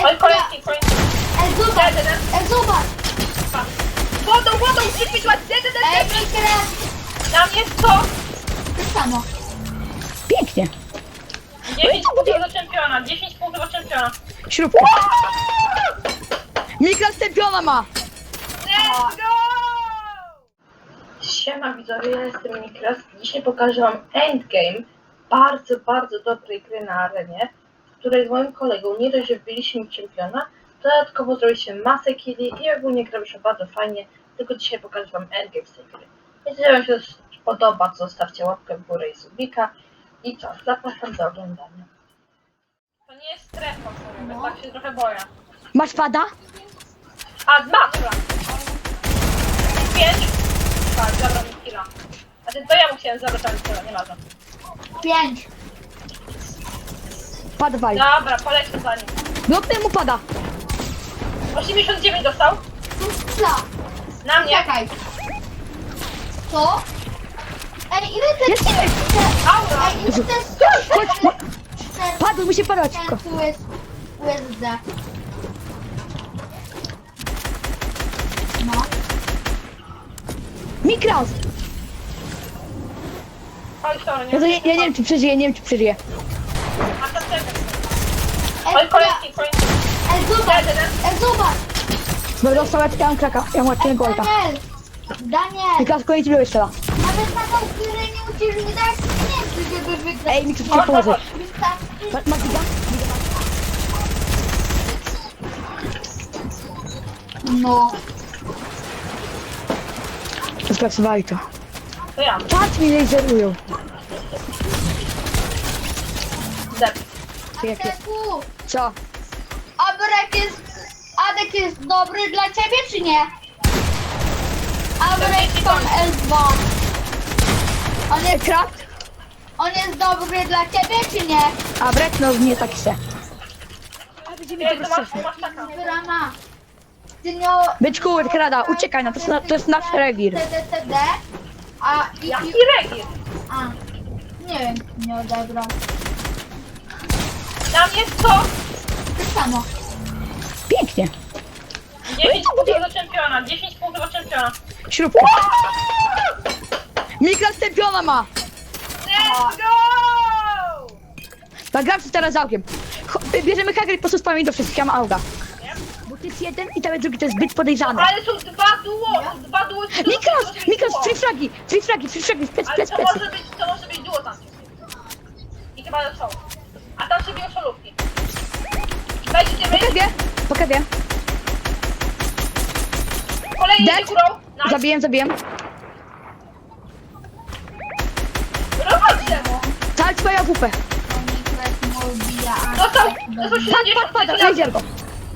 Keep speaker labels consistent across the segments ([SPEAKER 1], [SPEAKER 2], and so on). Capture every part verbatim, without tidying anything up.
[SPEAKER 1] Oj, kolejki, kolejki.
[SPEAKER 2] Ej, zobacz!
[SPEAKER 1] Jeden, jeden.
[SPEAKER 2] Ej, zobacz!
[SPEAKER 1] Wodą, wodą, przypić, jeden,
[SPEAKER 2] Ej,
[SPEAKER 1] jeden.
[SPEAKER 2] Mikres!
[SPEAKER 1] Na mnie sto.
[SPEAKER 2] To samo.
[SPEAKER 3] Pięknie.
[SPEAKER 1] dziesięć punktów do czempiona, dziesięć punktów do czempiona.
[SPEAKER 3] Śrubka. Mikras czempiona ma.
[SPEAKER 1] Let's go! Siema widzowie, ja jestem Mikras. Dzisiaj pokażę wam endgame bardzo, bardzo dobrej gry na arenie, w której z moim kolegą nie dość, że wbiliśmy czempiona, dodatkowo zrobiliśmy masę killi i ogólnie graliśmy bardzo fajnie, tylko dzisiaj pokażę wam endgame z tej gry. Jeśli wam się podoba, to zostawcie łapkę w górę i subika. I co? Zapraszam do oglądania. To nie jest strefa, sorry,
[SPEAKER 2] No.
[SPEAKER 1] tak się trochę boję.
[SPEAKER 3] Masz pada?
[SPEAKER 1] A, dwa, dobra. Pięć. Tak, zabrał mi killa. A ty, to ja mu chciałem zabrać, ale tyle, nie ważne.
[SPEAKER 2] Pięć.
[SPEAKER 3] Pada wali.
[SPEAKER 1] Dobra, polecę za nim.
[SPEAKER 3] Bloknę mu pada.
[SPEAKER 1] osiemdziesiąt dziewięć dostał.
[SPEAKER 2] Co?
[SPEAKER 1] Na mnie.
[SPEAKER 2] Czekaj. Co? Ej, ile ty...
[SPEAKER 3] Jest ile?
[SPEAKER 1] Aura.
[SPEAKER 2] Ej, ile ty...
[SPEAKER 3] Chodź, chodź. Padł, musi padać szybko.
[SPEAKER 2] Tu jest... U S D. No.
[SPEAKER 3] Mikras.
[SPEAKER 1] Oj, sorry,
[SPEAKER 3] Ja, to
[SPEAKER 1] nie
[SPEAKER 3] nie, ja nie wiem, czy przeżyje, nie wiem, czy przeżyje.
[SPEAKER 1] A to czekaj.
[SPEAKER 2] Ej,
[SPEAKER 1] Oj, kolejki, kolejki.
[SPEAKER 2] Ej, zobacz!
[SPEAKER 1] Jeden.
[SPEAKER 2] Ej, zobacz!
[SPEAKER 3] Bo dostał, ja mam kraka, ja mam łatwiego golka.
[SPEAKER 2] Daniel! Daniel!
[SPEAKER 3] Mikras kolejny ci jeszcze raz.
[SPEAKER 2] Nawet na tą górę nie musisz wydać pieniędzy, żeby wygrać.
[SPEAKER 3] Ej, Mikras cię położy.
[SPEAKER 2] Wystarczy...
[SPEAKER 3] Ma- Masz giga?
[SPEAKER 2] No.
[SPEAKER 3] Spraksowali to.
[SPEAKER 1] To ja.
[SPEAKER 3] Patrz, mi laserują.
[SPEAKER 1] Zep.
[SPEAKER 3] Jak jest?
[SPEAKER 2] Adeku!
[SPEAKER 3] Co?
[SPEAKER 2] Abrek jest... Adek jest dobry dla ciebie, czy nie? Abrek tam L dwa. On jest,
[SPEAKER 3] Krak?
[SPEAKER 2] on jest dobry dla ciebie, czy nie?
[SPEAKER 3] A brek, no nie taki se. A będziemy
[SPEAKER 1] Ej,
[SPEAKER 3] to
[SPEAKER 1] to masz,
[SPEAKER 3] rozszerzyć.
[SPEAKER 1] masz taka.
[SPEAKER 2] Brama. Ty nie...
[SPEAKER 3] Byczku, krada, uciekaj, no to jest, na- to jest nasz rewir.
[SPEAKER 2] T D T D. A i...
[SPEAKER 1] Jaki regis?
[SPEAKER 2] A. Nie wiem, nie odebrał.
[SPEAKER 1] Na mnie sto.
[SPEAKER 2] To samo.
[SPEAKER 3] Pięknie.
[SPEAKER 1] dziesięć punktów do czempiona, dziesięć punktów do czempiona.
[SPEAKER 3] Śrubka. Mikras czempiona ma.
[SPEAKER 1] Let's go!
[SPEAKER 3] Nagram się teraz z aukiem. Cho- Bierzemy kagry i po prostu spamy do wszystkich, ja mam auga.
[SPEAKER 1] Nie?
[SPEAKER 3] Bo to jest jeden i ten drugi to jest zbyt podejrzane.
[SPEAKER 1] Ale są dwa duo, są dwa duo. to
[SPEAKER 3] Mikras,
[SPEAKER 1] może być
[SPEAKER 3] Mikras,
[SPEAKER 1] duo.
[SPEAKER 3] trzy fragi, trzy fragi, trzy fragi, plec,
[SPEAKER 1] Ale
[SPEAKER 3] plec,
[SPEAKER 1] to
[SPEAKER 3] plec.
[SPEAKER 1] może być, to może być duo tam. I chyba są. A tam się biją solówki. Wejdziecie,
[SPEAKER 3] Po
[SPEAKER 1] wejdziecie.
[SPEAKER 3] kewie, po kewie.
[SPEAKER 1] Kolejny
[SPEAKER 3] Dead.
[SPEAKER 1] idzie górą. Nice.
[SPEAKER 3] Zabijem, zabijem.
[SPEAKER 1] Rozchodźcie.
[SPEAKER 3] Cała twoja W P.
[SPEAKER 1] Dostał, dostał
[SPEAKER 3] Pad, pad,
[SPEAKER 1] siedemdziesiąt.
[SPEAKER 3] pada, laser go.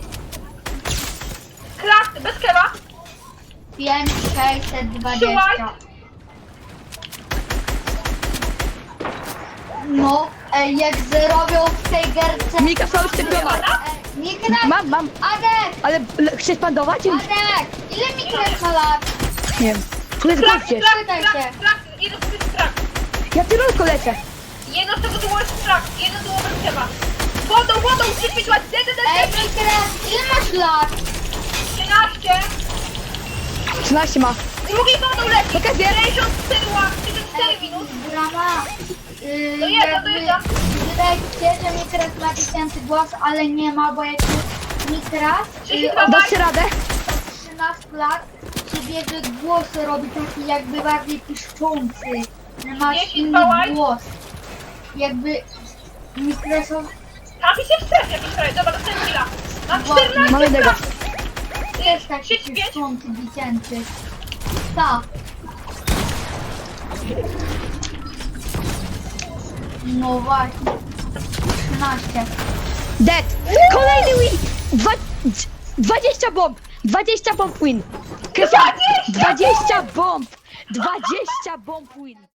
[SPEAKER 1] Krak, bez kewa.
[SPEAKER 2] pięć sześćset dwadzieścia. No, ej, jak zrobią w tej gerce...
[SPEAKER 3] Mikras ma już czempiona.
[SPEAKER 2] Ej, Mikres!
[SPEAKER 3] Mam, mam.
[SPEAKER 2] Adek!
[SPEAKER 3] Ale le- chcesz pandować?
[SPEAKER 2] Adek! Ile Mikres ma lat?
[SPEAKER 3] Nie wiem. Tu jest
[SPEAKER 1] Krak,
[SPEAKER 3] goście.
[SPEAKER 1] krak,
[SPEAKER 2] Pytaj
[SPEAKER 1] krak,
[SPEAKER 2] się.
[SPEAKER 1] krak. Jeden to jest krak.
[SPEAKER 3] Ja tylko lecę.
[SPEAKER 1] Jedno z tego duo jest krak, jedno duo bez kewa. Wodą, wodą, przypić ładnie.
[SPEAKER 2] Ej, Mikres! Ile masz lat?
[SPEAKER 1] trzynaście.
[SPEAKER 3] trzynaście ma.
[SPEAKER 1] Drugi wodą leci.
[SPEAKER 3] Po kewie.
[SPEAKER 1] sześćdziesiąt cztery łap, sześćdziesiąt cztery minut.
[SPEAKER 2] Brama! Yy,
[SPEAKER 1] To jedno, to
[SPEAKER 2] jakby-
[SPEAKER 1] jedno.
[SPEAKER 2] Wydaje mi się, że Mikres ma tysięcy głos, ale nie ma, bo jak Mikres
[SPEAKER 1] trzydzieści
[SPEAKER 2] yy,
[SPEAKER 1] dwa
[SPEAKER 2] od
[SPEAKER 3] Dasz radę?
[SPEAKER 2] trzynastu lat sobie, że głos robi taki jakby bardziej piszczący. Że masz
[SPEAKER 1] trzydzieści
[SPEAKER 2] inny
[SPEAKER 1] dwa łaj.
[SPEAKER 2] głos. Jakby Mikresowy...
[SPEAKER 1] Trafi się w strefie jakiś kraj. Dobra, dostałem chwila. Mam
[SPEAKER 2] Właśnie.
[SPEAKER 1] czternaście
[SPEAKER 3] Mamy tego.
[SPEAKER 1] krak.
[SPEAKER 2] jest taki
[SPEAKER 1] trzydzieści pięć.
[SPEAKER 2] piszczący, dziecięcy. Tak. No właśnie. trzynaście.
[SPEAKER 3] Dead. Kolejny win. Dwa, dwadzieścia bomb. dwadzieścia bomb win. Krystian, dwadzieścia bomb. dwadzieścia bomb win.